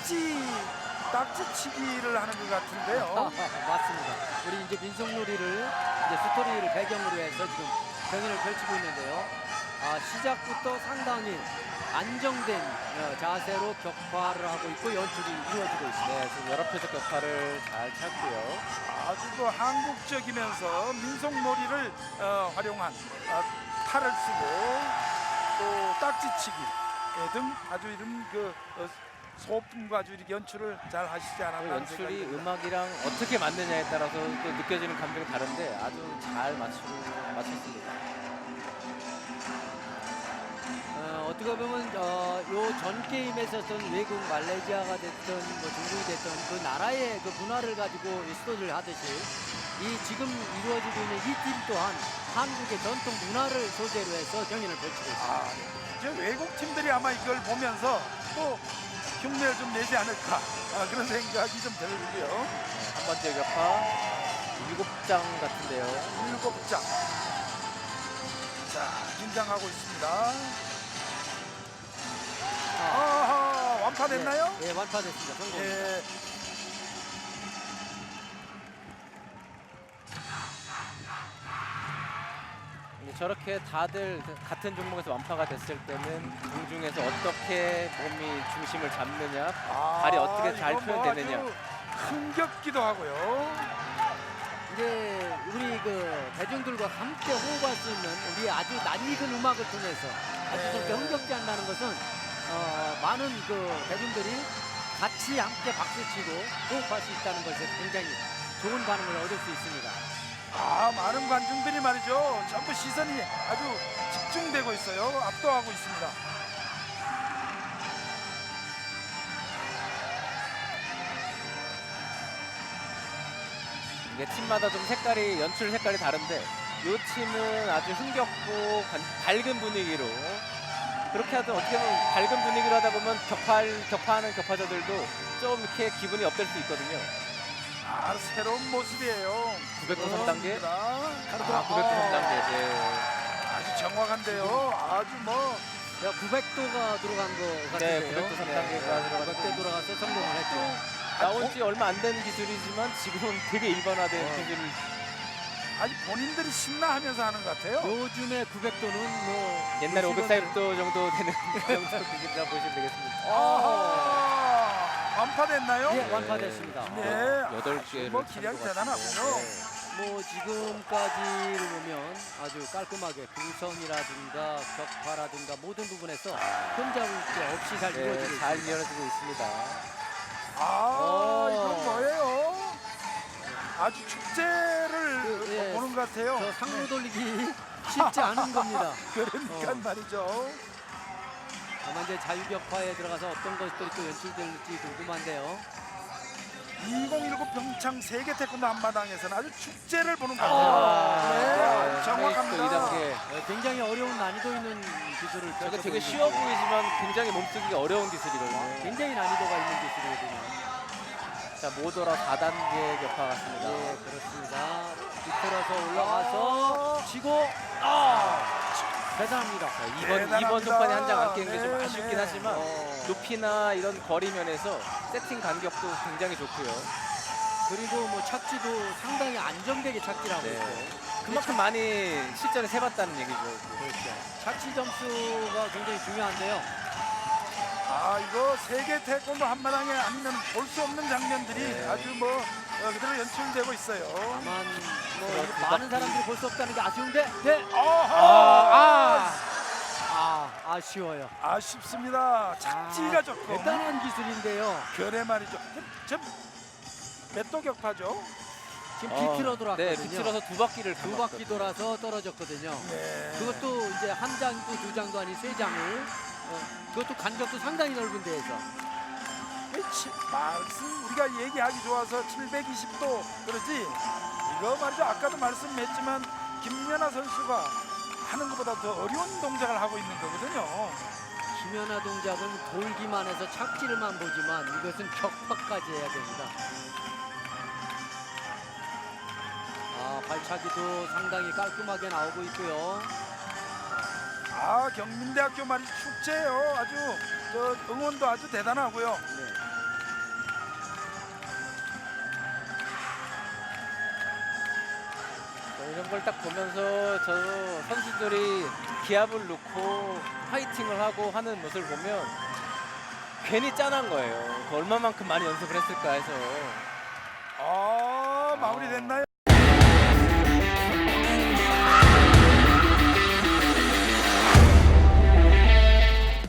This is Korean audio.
딱지치기를 하는 것 같은데요. 맞습니다. 우리 이제 민속놀이를 이제 스토리를 배경으로 해서 지금 경연을 펼치고 있는데요. 시작부터 상당히 안정된 자세로 격파를 하고 있고 연출이 이루어지고 있습니다. 네, 지금 여러 표적 격파를 잘 찾고요. 아주 그 한국적이면서 민속놀이를 활용한 탈을 쓰고 또 딱지치기 등 아주 이런 그 소품과 아주 이렇게 연출을 잘 하시지 않았나 하는 생각이 연출이 듭니다. 음악이랑 어떻게 맞느냐에 따라서 또 느껴지는 감정이 다른데 아주 잘 맞췄습니다. 어떻게 보면 요 전 게임에서 어떤 외국 말레이시아가 됐든 뭐 중국이 됐든 그 나라의 그 문화를 가지고 스토리를 하듯이 이 지금 이루어지고 있는 이 팀 또한 한국의 전통 문화를 소재로 해서 경연을 펼치고 있습니다. 이제 외국 팀들이 아마 이걸 보면서 또 흉내를 좀 내지 않을까 그런 생각이 좀 들고요. 네, 한 번째 격파 7장 같은데요. 7장. 자, 긴장하고 있습니다. 완파됐나요? 네, 완파됐습니다. 성공. 예. 저렇게 다들 같은 종목에서 완파가 됐을 때는 공중에서 어떻게 몸이 중심을 잡느냐, 발이 어떻게 잘 이거 뭐 표현되느냐. 아주 흥겹기도 하고요. 이제 우리 그 대중들과 함께 호흡할 수 있는 우리 아주 낯익은 음악을 통해서 아주 네. 그렇게 흥겹지 한다는 것은 많은 그 대중들이 같이 함께 박수치고 호흡할 수 있다는 것에 굉장히 좋은 반응을 얻을 수 있습니다. 많은 관중들이 말이죠. 전부 시선이 아주 집중되고 있어요. 압도하고 있습니다. 이게 팀마다 좀 색깔이 연출 색깔이 다른데 이 팀은 아주 흥겹고 밝은 분위기로 그렇게 하든 어떻게 보면 밝은 분위기로 하다 보면 격파하는 격파자들도 좀 이렇게 기분이 업될 수 있거든요. 새로운 모습이에요. 900도 3단계. 900도 3단계. 네. 아주 정확한데요. 아주 뭐 900도가 들어간 거 같은데요. 네, 900도 3단계가 들어가서 900도 들어가서 성공을 했죠. 나온 지 얼마 안 된 기술이지만 지금은 되게 일반화된 기술을 아주 본인들이 신나하면서 하는 것 같아요. 요즘에 900도는 뭐 옛날에 540도 정도 되는 정도 기술이라고 보시면 되겠습니다. 완파됐나요? 예, 완파됐습니다. 네. 8개를 뭐 기량이 대단하군요. 뭐 지금까지를 보면 아주 깔끔하게 구성이라든가 격파라든가 모든 부분에서 흠잡을 게 없이 잘 이루어지고 잘 있습니다. 이어지고 있습니다. 이건 뭐예요? 아주 축제를 예, 보는 것 같아요. 저 상로 돌리기 쉽지 않은 겁니다. 그러니까 말이죠. 다만 이제 자유격파에 들어가서 어떤 것들이 또 연출될지 궁금한데요. 2019 평창 세계 태권도 한마당에서는 아주 축제를 보는 것 같아요. 네, 정확합니다. 2단계. 굉장히 어려운 난이도 있는 기술을 저게 되게 펼쳐보이고 쉬워 있고요. 보이지만 굉장히 몸쓰기가 어려운 기술이거든요. 굉장히 난이도가 있는 기술이거든요. 자, 모더라 4단계 격파 같습니다. 네, 그렇습니다. 뒤틀어서 올라가서 치고 대단합니다. 이번 대단합니다. 손판에 한 장 안 깨는 게 좀 네, 아쉽긴 네. 하지만 높이나 이런 거리 면에서 세팅 간격도 굉장히 좋고요. 그리고 뭐 착지도 상당히 안정되게 착지를 하고 네. 있고 그만큼 많이 실전에 세봤다는 얘기죠. 그렇죠. 착지 점수가 굉장히 중요한데요. 이거 세계 태권도 한마당에 아니면 볼 수 없는 장면들이 네. 아주 뭐 그대로 연출되고 있어요. 다만 뭐 그렇습니다. 많은 사람들이 볼 수 없다는 게 아쉬운데 네. 아쉬워요. 아쉽습니다. 착지가 조금 대단한 기술인데요. 그래 말이죠. 몇 도 격파죠? 지금 비틀어 돌았거든요. 네, 비틀어서 두 바퀴를 두 바퀴 돌아서 떨어졌거든요. 네. 그것도 이제 한 장도 두 장도 아닌 세 장을 그것도 간격도 상당히 넓은 데에서 말씀 우리가 얘기하기 좋아서 720도 그러지 이거 말이죠. 아까도 말씀했지만 김연아 선수가 하는 것보다 더 어려운 동작을 하고 있는 거거든요. 김연아 동작은 돌기만 해서 착지를만 보지만 이것은 격파까지 해야 됩니다. 발차기도 상당히 깔끔하게 나오고 있고요. 경민대학교 말이 축제예요. 아주 응원도 아주 대단하고요. 네. 이런 걸 딱 보면서 저 선수들이 기합을 넣고 파이팅을 하고 하는 모습을 보면 괜히 짠한 거예요. 그 얼마만큼 많이 연습을 했을까 해서. 마무리됐나요?